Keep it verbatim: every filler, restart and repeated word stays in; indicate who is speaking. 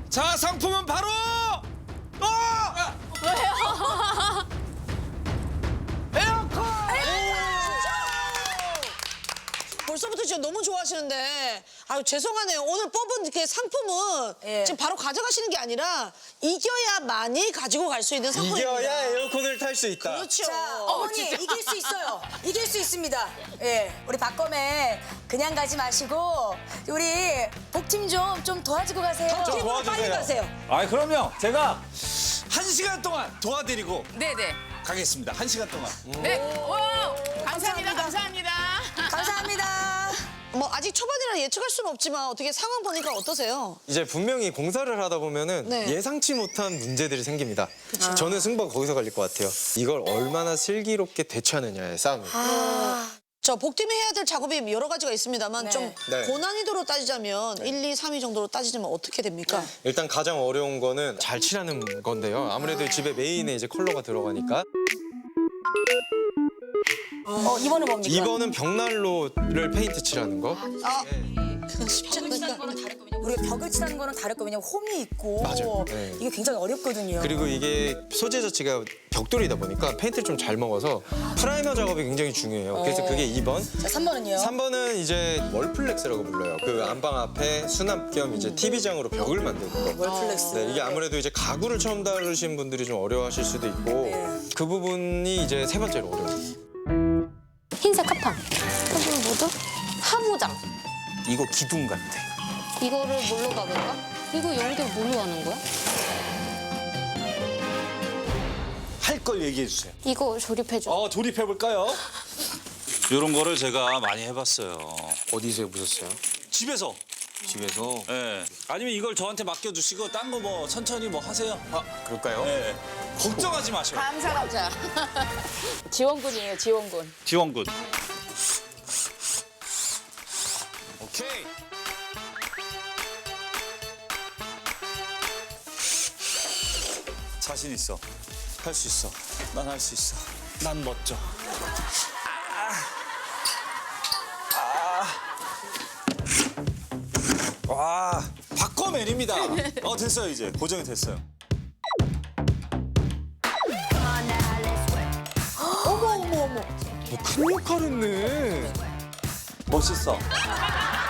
Speaker 1: 자, 상품은 바로 어!
Speaker 2: 왜요?
Speaker 1: 에어컨!
Speaker 3: 벌써부터 진짜 너무 좋아하시는데 아유 죄송하네요. 오늘 뽑은 이렇게 상품은
Speaker 2: 예.
Speaker 3: 지금 바로 가져가시는 게 아니라 이겨야만이 가지고 갈 수 있는 상품입니다.
Speaker 4: 이겨야 에어컨을 탈 수 있다.
Speaker 3: 그렇죠.
Speaker 2: 자, 어머니 이길 수 있어요. 이길 수 있습니다. 예, 우리 박검에 그냥 가지 마시고 우리 복팀 좀 좀 도와주고 가세요.
Speaker 4: 좀
Speaker 3: 팀으로 빨리
Speaker 4: 도와주세요.
Speaker 3: 가세요.
Speaker 1: 아, 그럼요. 제가 한 시간 동안 도와드리고
Speaker 5: 네네.
Speaker 1: 가겠습니다. 한 시간 동안.
Speaker 5: 네. 와, 감사합니다. 감사합니다.
Speaker 2: 감사합니다.
Speaker 3: 뭐 아직 초반이라 예측할 수는 없지만 어떻게 상황 보니까 어떠세요?
Speaker 4: 이제 분명히 공사를 하다 보면은
Speaker 3: 네.
Speaker 4: 예상치 못한 문제들이 생깁니다. 저는 승부가 거기서 갈릴 것 같아요. 이걸 얼마나 슬기롭게 대처하느냐의 싸움이에요.
Speaker 3: 저 복팀이 해야 될 작업이 여러 가지가 있습니다만
Speaker 2: 네.
Speaker 3: 좀
Speaker 4: 네.
Speaker 3: 고난이도로 따지자면 일, 이, 삼 위 정도로 따지자면 어떻게 됩니까?
Speaker 4: 일단 가장 어려운 거는 잘 칠하는 건데요. 아무래도 집에 메인에 이제 컬러가 들어가니까.
Speaker 2: 어, 이번은 뭡니까?
Speaker 4: 이 번은 벽난로를 페인트 칠하는 거.
Speaker 3: 아, 그건 쉽지 않으니까.
Speaker 2: 우리가 벽을 칠하는 거는 다를 거 왜냐면 홈이 있고
Speaker 4: 맞아요. 네.
Speaker 2: 이게 굉장히 어렵거든요.
Speaker 4: 그리고 이게 소재 자체가 벽돌이다 보니까 페인트를 좀 잘 먹어서 프라이머 작업이 굉장히 중요해요. 그래서 그게 이 번.
Speaker 2: 자, 삼 번은요?
Speaker 4: 삼 번은 이제 월플렉스라고 불러요. 그 안방 앞에 수납 겸 이제 티비장으로 벽을 만드는 거.
Speaker 2: 월플렉스.
Speaker 4: 네, 이게 아무래도 이제 가구를 처음 다루신 분들이 좀 어려워하실 수도 있고
Speaker 2: 네.
Speaker 4: 그 부분이 이제 세 번째로 어려워요.
Speaker 6: 흰색 합판. 이건 뭐죠? 하부장.
Speaker 1: 이거 기둥 같아.
Speaker 6: 이거를 뭘로 박을까? 이거 연결 뭘로 하는 거야?
Speaker 1: 할 걸 얘기해 주세요.
Speaker 6: 이거 조립해줘.
Speaker 1: 어, 조립해 볼까요?
Speaker 7: 이런 거를 제가 많이 해봤어요.
Speaker 4: 어디서 해보셨어요?
Speaker 7: 집에서.
Speaker 1: 집에서.
Speaker 7: 예. 아니면 이걸 저한테 맡겨주시고 딴 거 뭐 천천히 뭐 하세요.
Speaker 4: 아, 그럴까요?
Speaker 7: 예. 걱정하지 마세요.
Speaker 5: 감사합니다. 지원군이에요, 지원군.
Speaker 7: 지원군.
Speaker 1: 오케이.
Speaker 7: 자신 있어. 할 수 있어. 난 할 수 있어. 난 멋져. 아. 아. 와, 박검맨입니다. 어, 됐어요, 이제. 고정이 됐어요.
Speaker 4: 큰 역할 했네.
Speaker 7: 멋있어.